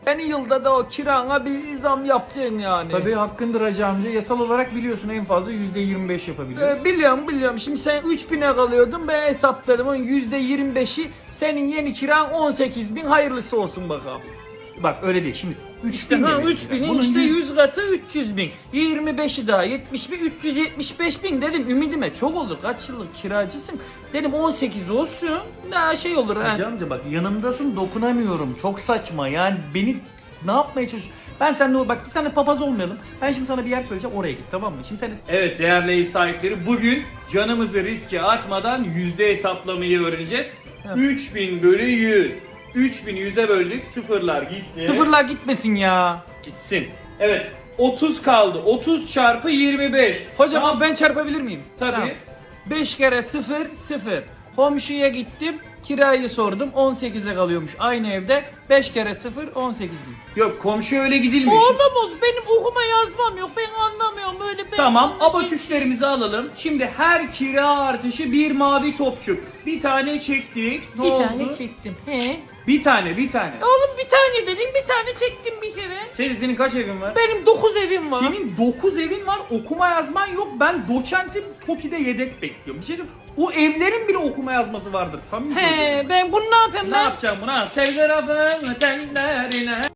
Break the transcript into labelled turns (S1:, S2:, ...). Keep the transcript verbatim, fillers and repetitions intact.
S1: Yeni yılda da o kirana bir zam yapacaksın yani.
S2: Tabii hakkındır hacı amca. Yasal olarak biliyorsun en fazla yüzde yirmi beş yapabiliyoruz.
S1: Ee, biliyorum biliyorum. Şimdi sen üç bine kalıyordun, ben hesapladım. Onun yüzde yirmi beşi senin yeni kiran on sekiz bin, hayırlısı olsun bakalım.
S2: Bak öyle değil. Şimdi üç
S1: İşte
S2: bin
S1: ha,
S2: demek
S1: üç
S2: ki.
S1: binin
S2: Bunun
S1: işte
S2: yüz-
S1: yüz katı üç yüz bin. yirmi beşi daha yetmiş bin, üç yüz yetmiş beş bin dedim. Ümidime çok olur. Kaç yıllık kiracısın. Dedim on sekiz olsun. Daha şey olur. ha.
S2: Hacı amca bak yanımdasın, dokunamıyorum. Çok saçma yani, beni ne yapmaya çalışıyorsun? Ben seninle bak biz seninle papaz olmayalım. Ben şimdi sana bir yer söyleyeceğim, oraya git, tamam mı? Şimdi sen
S1: Evet değerli ev sahipleri, bugün canımızı riske atmadan yüzde hesaplamayı öğreneceğiz.
S2: Evet.
S1: üç bin bölü yüz. üç bini yüze böldük, sıfırlar gitti.
S2: sıfırlar gitmesin ya.
S1: Gitsin. Evet, otuz kaldı. otuz çarpı yirmi beş.
S2: Hocam
S1: Tamam.
S2: ben çarpabilir miyim?
S1: Tabii.
S2: Tamam.
S1: beş kere sıfır, sıfır. Komşuya gittim, kirayı sordum, on sekize kalıyormuş aynı evde. beş kere sıfır, on sekiz bin. Yok, komşuya öyle gidilmiş.
S2: Olamaz, benim okuma yazmam yok, ben anlamıyorum öyle. Ben
S1: Tamam,
S2: anlayacağım.
S1: abaküslerimizi alalım. Şimdi her kira artışı bir mavi topçuk. Bir tane çektik. Ne
S2: Bir
S1: oldu?
S2: tane çektim. He.
S1: Bir tane, bir tane.
S2: Oğlum bir tane dedin, bir tane çektim bir kere.
S1: Senin, senin kaç evin var?
S2: Benim dokuz evim var.
S1: Senin dokuz evin var, okuma yazman yok. Ben doçentim, TOKİ'de yedek bekliyorum. Bir şey diyeyim, o evlerin bile okuma yazması vardır. Samimi söylüyorum.
S2: He, ben bunu ne yapayım
S1: Ne
S2: ben?
S1: yapacağım buna? Telgrafın tellerine